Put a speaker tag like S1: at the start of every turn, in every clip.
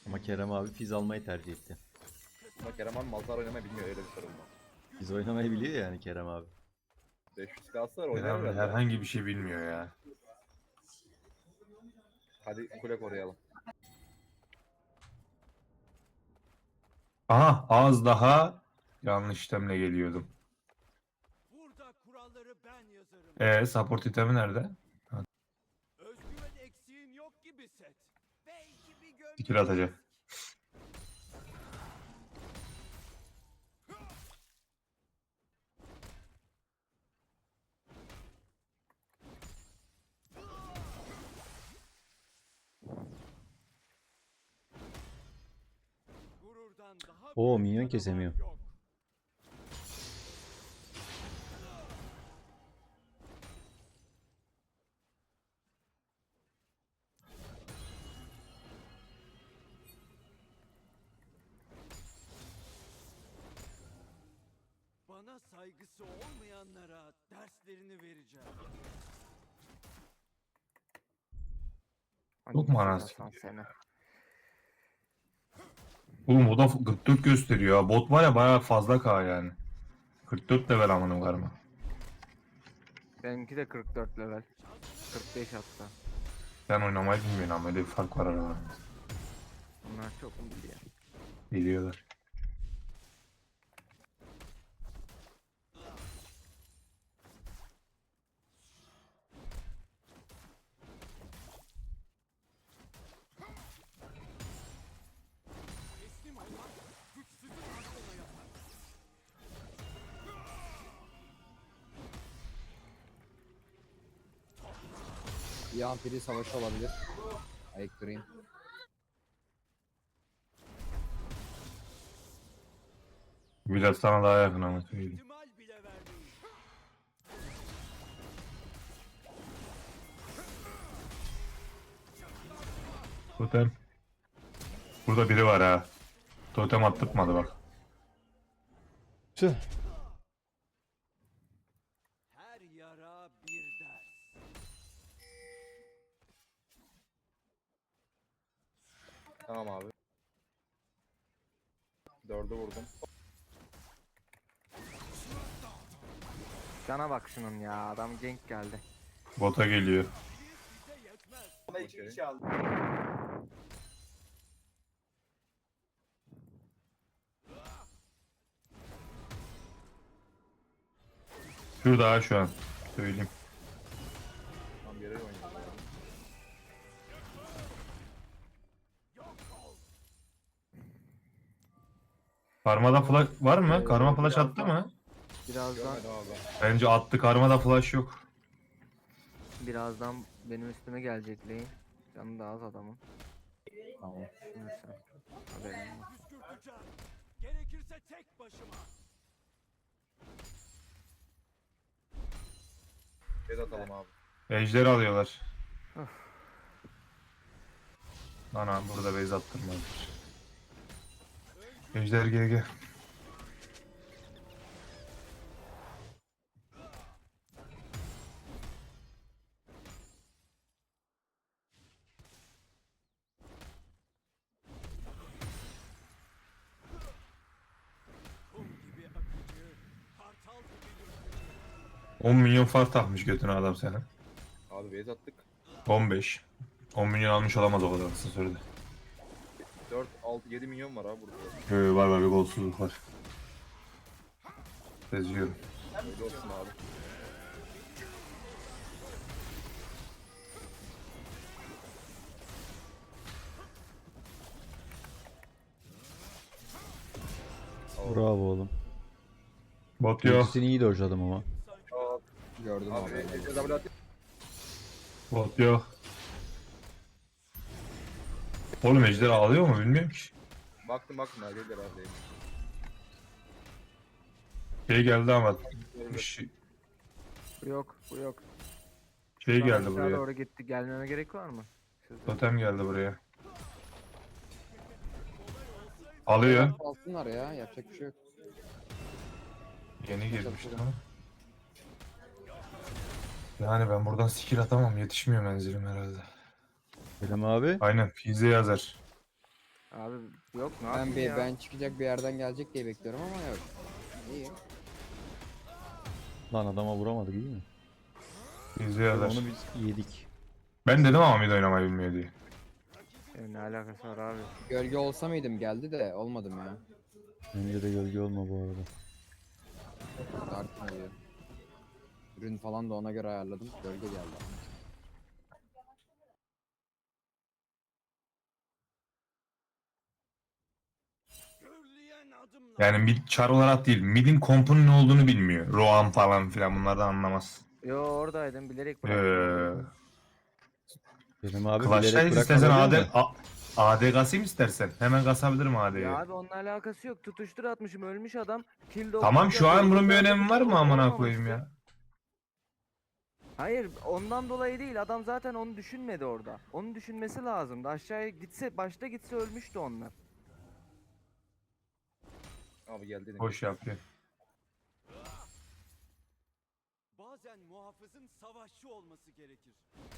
S1: Ama Kerem abi fiz almayı tercih etti.
S2: Ama Kerem abi Malzar oynamayı bilmiyor, öyle bir sorun var.
S1: Fiz oynamayı biliyor yani Kerem abi.
S2: 500 kalsa oynar
S3: Kerem
S2: herhalde.
S3: herhangi bir şey bilmiyor ya.
S2: Hadi kule koruyalım.
S3: Aha az daha yanlış itemle geliyordum.
S4: Burada kuralları ben yazarım.
S3: Support itemi nerede?
S4: Özgüven eksiğin yok gibi set. Belki bir gömlek.
S3: Skill atacak.
S4: Gururdan daha
S1: Oo,
S4: büyük
S1: minyon
S4: canavar
S1: kesemiyor.
S4: yok. Bana saygısı olmayanlara derslerini vereceğim.
S3: Çok mu anasını?
S2: Seni.
S3: Oğlum o da 44 gösteriyor ya. Bot var ya bayağı fazla K yani. 44 level amanım var mı?
S5: Benimki de 44 level. 45 hatta.
S3: Sen oynamayı bilmiyorsun ama öyle bir fark var aralarında.
S5: Bunlar çok mu biliyor?
S3: Biliyorlar.
S4: Teslim olmak güçsüzün aklına yapar.
S6: Bir ampiri savaşı olabilir. Ayık durayım.
S3: Biraz sana daha yakın ama söyleyeyim.
S4: İhtimal bile vermeyin.
S3: Totem. Burada biri var ha. Totem attırmadı bak.
S1: Tüh.
S4: Her yara bir ders.
S2: Tamam abi. 4'ü vurdum.
S5: Cana bak şunun ya. Adam gank geldi.
S3: Bota geliyor.
S4: Bize yetmez.
S2: Ona 2 kişi aldı.
S3: Şurada ha şu an. Söyleyeyim.
S2: Tam yere oynuyor.
S3: Karmada flash var mı? Karma flash attı mı?
S5: Birazdan
S2: Görmedim abi.
S3: Bence attı. Karmada flash yok.
S5: birazdan benim üstüme gelecek lane. Canı da az adamın.
S6: Tamam.
S5: Neyse. Haberim var.
S4: Püskürteceğim. Gerekirse tek başıma.
S2: Bez atalım abi.
S3: Ejder alıyorlar.
S5: Öf.
S3: Ana burada base attırmadılar. Ejder GG.
S4: Kum gibi akıcı, kartal gibi ürkücü.
S3: 10 milyon fark takmış götüne adam senin.
S2: Abi bez attık.
S3: 15. 10 milyon almış olamaz o kadar kısa sürede.
S2: 4, 6, 7 milyon var abi burada.
S3: Var var bir golsuzluk var. Seziyorum.
S2: Öyle olsun abi.
S1: Bravo oğlum.
S3: Bot yok.
S1: Ultisini iyi dojladım ama.
S6: Gördüm
S2: Abi
S6: abi.
S2: Ece W atayım.
S3: Bot yok. Oğlum ejder ağlıyor mu bilmiyorum ki.
S2: Baktım ya gelir abi.
S3: Şey geldi ama bir şey,
S5: Bu yok. Bu yok.
S3: şey
S5: Bana
S3: geldi
S5: aşağı
S3: buraya.
S5: doğru gitti. Gelmeme gerek var mı? Siz de-
S3: Totem geldi buraya. Alıyor.
S6: Alsınlar ya. Yapacak bir şey yok.
S3: Yeni girmişti ama. Yani ben buradan skill atamam. Yetişmiyor menzilim herhalde.
S1: Kerem abi.
S3: Aynen. Fize yazar.
S5: Abi yok ne
S6: Ben
S5: yapayım
S6: bir
S5: ya?
S6: ben çıkacak bir yerden gelecek diye bekliyorum ama yok. İyi.
S1: Lan adama vuramadık iyi mi?
S3: İzliyorlar.
S1: Onu biz yedik.
S3: Ben dedim ama mid oynamayı bilmiyor diye.
S5: Ne alakası var abi?
S6: Gölge olsa mıydım geldi de olmadım ya.
S1: Bence de gölge olma bu arada.
S6: Dark oluyor. Ürün falan da ona göre ayarladım. Gölge geldi.
S4: Gürleyen adımlar.
S3: Yani mid char olarak değil. Mid'in kompunun ne olduğunu bilmiyor. Roam falan filan bunlardan anlamaz.
S5: Yo oradaydım bilerek bıraktım.
S1: Benim abi
S3: Clash'tayız
S1: bilerek
S3: istersen
S1: bırakma değil mi?
S3: AD kasayım istersen. Hemen kasabilirim AD'yi.
S5: Ya abi onunla alakası yok. Tutuştur atmışım ölmüş adam. Kill de
S3: Tamam şu an bunun bir önemi var mı amına
S5: olmamıştı.
S3: koyayım ya?
S5: Hayır ondan dolayı değil. Adam zaten onu düşünmedi orada. Onu düşünmesi lazımdı. Aşağıya gitse başta gitse ölmüştü onlar.
S2: Abi geldi.
S3: Boş yapıyor.
S4: Bazen muhafızın savaşçı olması gerekir.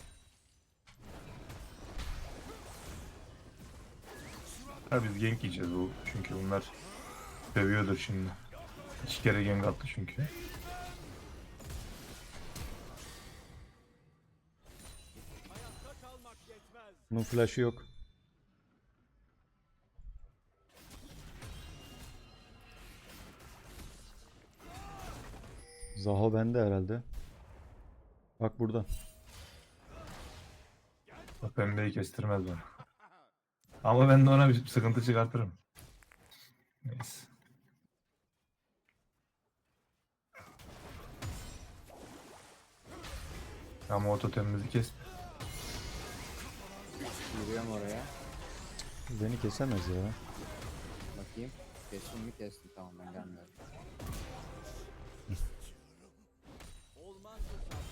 S3: Tabii biz gank yiyeceğiz bu. Çünkü bunlar dövüyordur şimdi. 2 kere gank attı çünkü.
S4: Hayatta kalmak yetmez.
S1: Bunun flash'ı yok. Zaho bende herhalde. Bak burada.
S3: O pembeyi kestirmez bana. Ama ben de ona bir sıkıntı çıkartırım. Neyse. Ama o totemimizi kes.
S6: Yürüyorum oraya.
S1: Beni kesemez ya.
S6: Bakayım. Kestim mi kestim. Tamam ben gelmiyorum.
S4: Olmaz hocam.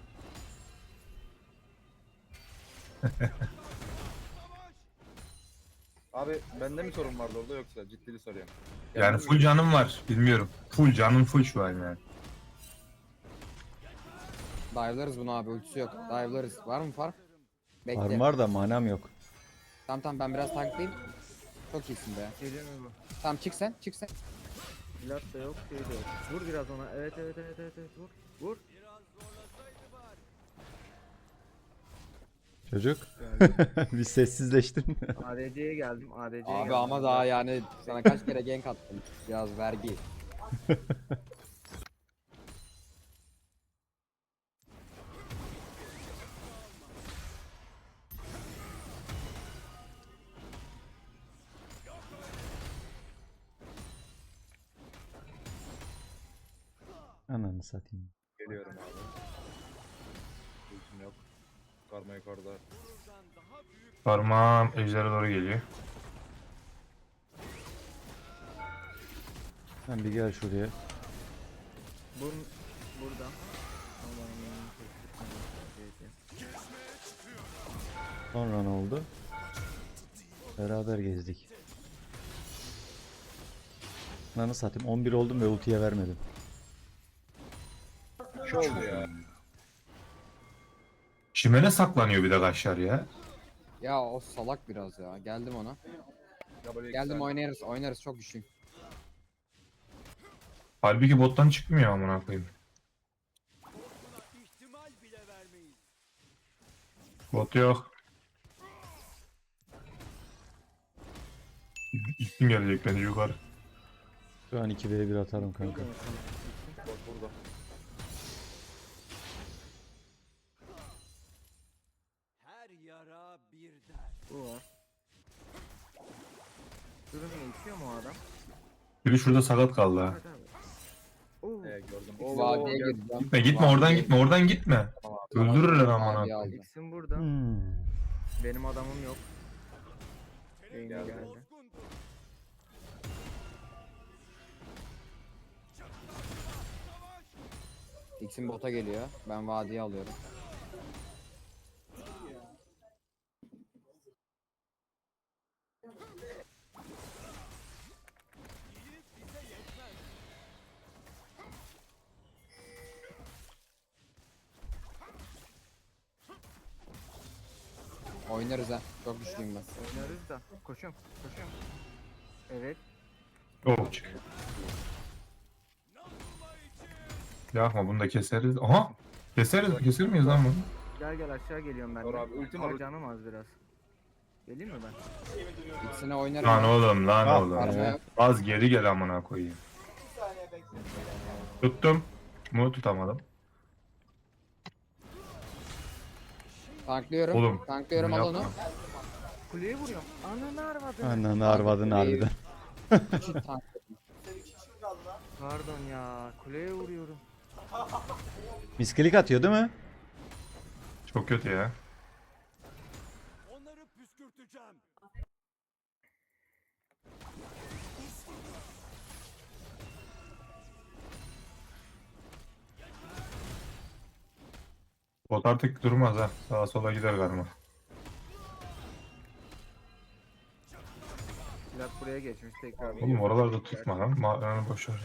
S2: Abi bende mi sorun vardı orada yoksa ciddili soruyorum.
S3: Yani full canım var. Bilmiyorum. Full canım full şu an yani.
S6: Dive'larız bunu abi ultisi yok. Dive'larız. Var mı fark? Bekle.
S1: Farm var da manam yok.
S6: Tamam ben biraz tanklayayım. Çok iyisin be.
S5: Geliyor mu bu?
S6: Tamam çık sen çık sen.
S5: Plat da yok şey de yok. Vur biraz ona. Evet vur. Vur.
S1: Çocuk. Bir sessizleştin.
S5: ADC'ye geldim. ADC'ye
S6: Abi
S5: geldim.
S6: ama daha yani sana kaç kere gank attım. Biraz vergi.
S1: Ananı satayım.
S2: Geliyorum abi. Ultim yok. Karma yukarıda.
S3: Parmağım ejdere doğru geliyor.
S1: Sen bir gel şuraya.
S5: Burada.
S1: Sonra ne oldu? Beraber gezdik. Ananı satayım 11 oldum ve ultiye vermedim.
S2: Şu oldu ya.
S3: Şimene saklanıyor bir de kaşlar ya.
S6: Ya o salak biraz ya. Geldim ona.
S2: Ya böyle iki
S6: Geldim
S2: saniye.
S6: oynarız oynarız çok güçlüyüm.
S3: Halbuki bottan çıkmıyor amına koyayım.
S4: İhtimal bile vermeyiz.
S3: Bot yok. İlkin gelecek bence yukarı.
S1: Şu an 2v1 atarım kanka.
S2: Bak burada.
S4: Her yara bir dert.
S5: Bu var. Durun ne içiyor mu o adam?
S3: Biri şurada sakat kaldı ha.
S5: Hadi abi. Oo.
S2: Gördüm.
S6: Vadiye
S2: gel-
S6: gireceğim.
S3: Gitme oradan gitme oradan gitme. Öldürürler amına
S6: Vadiye
S3: koyayım.
S6: aldım.
S5: X'in burada.
S1: Hmm.
S5: Benim adamım yok. Beyni
S2: Geldi.
S5: geldi.
S4: Bozgundur.
S6: X'in bota geliyor. Ben vadiye alıyorum. Oynarız ha. Çok güçlüyüm ben.
S5: Oynarız da. Koşuyorum. Koşuyorum. Evet.
S3: Çok çık. Yapma bunu da keseriz. Aha! Keser miyiz lan bunu?
S5: Gel gel aşağı geliyorum ben
S2: Dur
S5: de.
S2: abi, ultim var,
S5: Ama
S2: ultim.
S5: canım az biraz. Geleyim mi ben?
S6: İkisine oynarım.
S3: Lan
S6: ben.
S3: oğlum lan
S1: Ah,
S3: oğlum.
S6: Arma yok.
S3: Az geri gel amına koyayım. Tuttum. Mu tutamadım.
S6: Tanklıyorum.
S3: Oğlum,
S6: Tanklıyorum,
S3: bunu
S6: al onu.
S3: yapma.
S5: Kuleye vuruyorum. Ananı arvadını.
S1: Ananı arvadın harbiden.
S6: Çift tank.
S5: Pardon ya. Kuleye vuruyorum.
S1: Miskilik atıyor değil mi?
S3: Çok kötü ya.
S4: Onları püskürteceğim.
S3: Bot artık durmaz ha. Sağa sola gider galiba.
S5: Plat buraya geçmiş tekrar.
S3: Oğlum oralarda tutma lan. Mağaranı boş ver.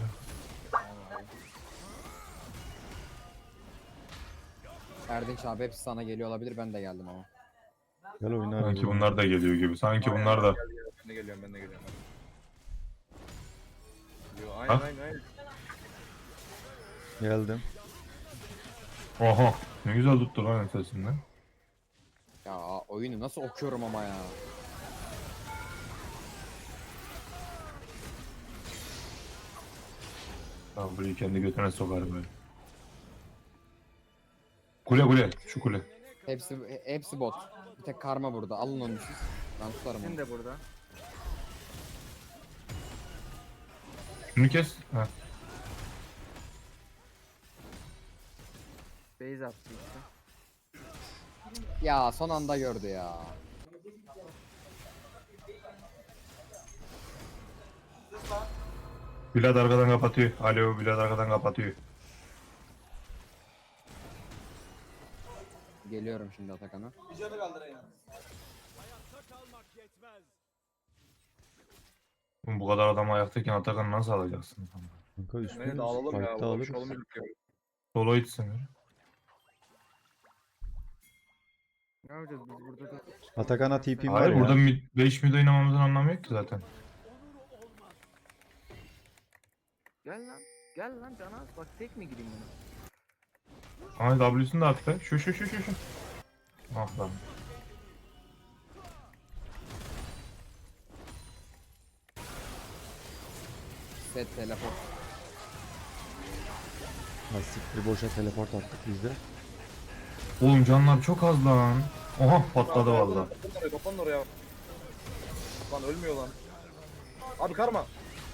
S6: Erdinç abi hepsi sana geliyor olabilir, ben de geldim ama.
S1: Gel oyna.
S3: Sanki bunlar da geliyor gibi. Sanki bunlar da.
S2: Ben de geliyorum, ben de geliyorum. Yo, aynen
S3: Ha?
S2: aynen.
S1: Geldim.
S3: Oha. Ne güzel tuttu lan ötesinden.
S6: Ya oyunu nasıl okuyorum ama ya.
S3: Tamam burayı kendi götüne sokar böyle. Kule. Şu kule.
S6: Hepsi bot. Bir tek karma burada. Alın onu siz. Ben tutarım
S5: Sen
S6: onu.
S5: de burada.
S3: Şunu kes. Ha.
S5: Base attı işte.
S6: Ya son anda gördü ya.
S3: Bilal arkadan kapatıyor. Alo Bilal arkadan kapatıyor.
S6: Geliyorum şimdi Atakan'a.
S4: Hayatta kalmak yetmez.
S3: Oğlum bu kadar adam ayaktayken Atakan'ı nasıl alacaksın?
S1: Kanka üstüne
S2: Beni de alalım ya.
S1: fight'ta alırız.
S2: Konuşalım.
S3: Solo itsin.
S5: Ne yapacağız biz burada da?
S1: Atakan'a TP'm var
S3: Hayır
S1: ya.
S3: burada 5 mid oynamamızın anlamı yok ki zaten.
S5: Gel lan. Gel lan Canaz. Bak tek mi gireyim buna?
S3: Ay W'sunu da attı. Şu. Ah lan.
S6: Set teleport.
S1: Ha, siktir boşa teleport attık biz de.
S3: Oğlum canlar çok az lan. Oha patladı valla.
S2: Kapanın oraya. Lan ölmüyor lan. Abi karma.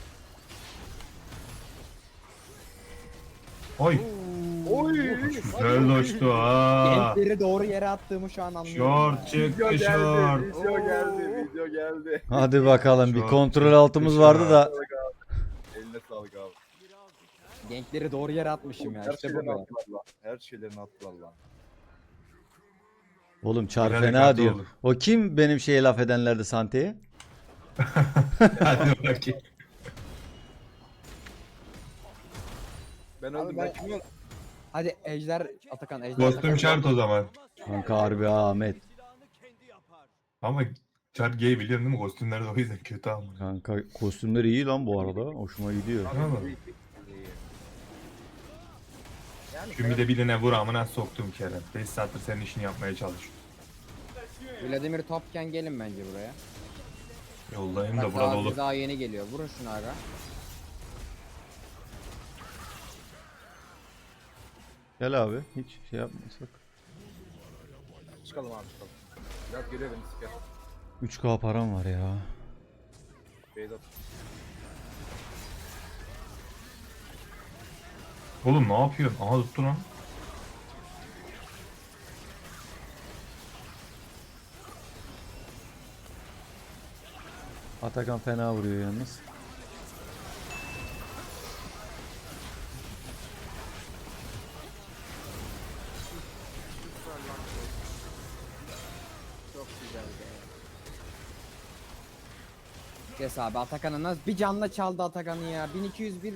S3: Oy.
S2: Oy.
S3: Güzel doştu ha.
S6: Gençleri doğru yere attığımı şu an anlıyorum.
S3: Short çıktı short.
S2: Video geldi.
S1: Hadi bakalım bir
S3: Çok
S1: kontrol altımız vardı da.
S2: Eline sağlık abi.
S6: Genkleri doğru yere atmışım ya.
S2: Her
S6: İşte bu
S2: şeylerini
S6: be.
S2: attılar lan. Her şeylerini attılar lan.
S1: Oğlum çar
S3: Biraz
S1: fena
S3: dikkatli
S1: diyor.
S3: olun.
S1: O kim benim şeye laf edenlerdi Sante'ye?
S3: Hadi bakayım.
S2: Ben
S6: Abi
S2: öldüm.
S6: ben-
S2: Ben kim öldüm?
S6: Hadi Ejder Atakan. Ejder
S3: Kostüm
S6: Atakan.
S3: şart o zaman.
S1: Kanka harbi ha, Ahmet.
S4: Silahını kendi yapar.
S3: Ama şart gay biliyorsun değil mi? Kostümler de o yüzden kötü ama.
S1: Kanka kostümleri iyi lan bu arada. Hoşuma gidiyor.
S3: Tamam.
S2: İyi, iyi. Yani
S3: Şu de birine vur amına soktum Kerem. 5 saattir senin işini yapmaya çalışıyorum.
S6: Vladimir Topken gelin bence buraya.
S3: Yoldayım da
S6: Bak
S3: burada
S6: daha,
S3: olur.
S6: daha yeni geliyor. Vurun şunu aga.
S1: Gel abi. Hiç şey yapmasak.
S2: çıkalım abi çıkalım. Biraz geliyor beni siker.
S1: 3K param var ya.
S2: Beyzat.
S3: Oğlum ne yapıyorsun? Aha tuttu lan.
S1: Atakan fena vuruyor yalnız.
S5: Çok güzel be.
S6: Kes abi Atakan'ı nasıl bir canla çaldı Atakan'ı ya. 1201.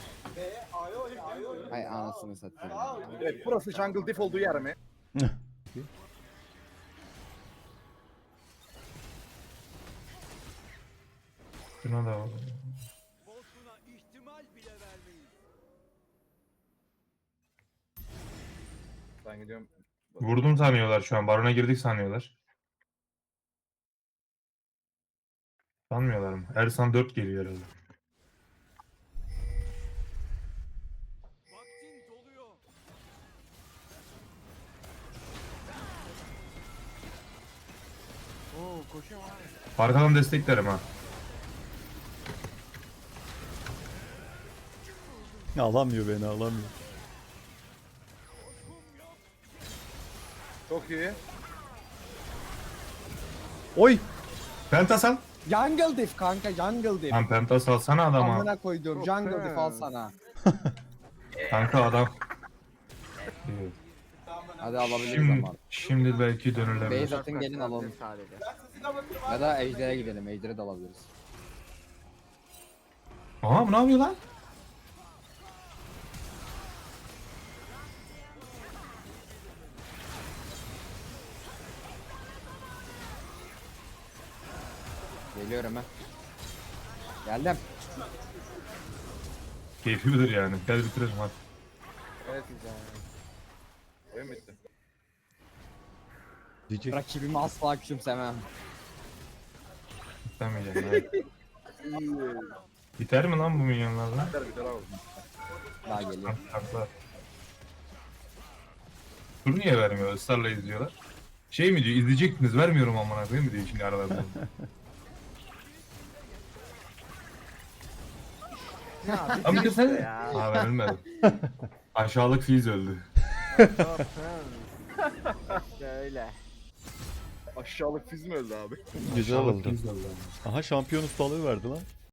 S6: Hay anasını satayım.
S2: Evet burası jungle diff olduğu yer mi?
S3: Şuna da bak.
S4: Bozguna ihtimal bile vermeyin.
S2: Ben gidiyorum.
S3: Vurdum sanıyorlar şu an. Barona girdik sanıyorlar. Sanmıyorlar mı? Ersan 4 geliyor herhalde.
S4: Vaktin doluyor.
S5: Oo koşuyor abi.
S3: Arkadan desteklerim ha.
S1: Alamıyor beni, alamıyor.
S2: Çok iyi.
S1: Oy!
S3: Pentas al.
S6: Jungle diff kanka jungle diff.
S3: Lan Pentas alsana adama.
S6: Amına koyduğum jungle diff al sana.
S3: Kanka adam. Evet.
S6: Hadi alabiliriz
S3: Şimdi,
S6: ama.
S3: şimdi belki dönülebilir.
S6: Base atın gelin alalım.
S5: Sadece.
S6: Ya da Ejder'e gidelim. Ejder'e de alabiliriz.
S3: Aha bu ne yapıyor lan?
S6: Geliyorum ha. Geldim.
S3: Keyfi midir yani? Gel bitirelim hadi.
S2: Evet güzel. Oyun bitti.
S1: Diyecek.
S6: Rakibimi asla küçümsemem.
S3: İstemeyeceğim. Evet. Biter mi lan bu milyonlarla?
S2: Biter biter abi.
S6: Daha geliyor.
S3: Haklı. Tur niye vermiyor? Israrla izliyorlar. Şey mi diyor? İzleyecektiniz. Vermiyorum amına koyayım mı diyor şimdi aralarında.
S5: Ya
S3: Ama
S5: bitti
S3: sen...
S5: ya.
S3: Ha ben ölmedim. Aşağılık Fizz öldü.
S5: İşte öyle.
S2: Aşağılık fiz mi öldü abi?
S1: Güzel
S3: Aşağılık
S1: oldu.
S3: Fizz öldü.
S1: Aha şampiyon ustalığı verdi lan.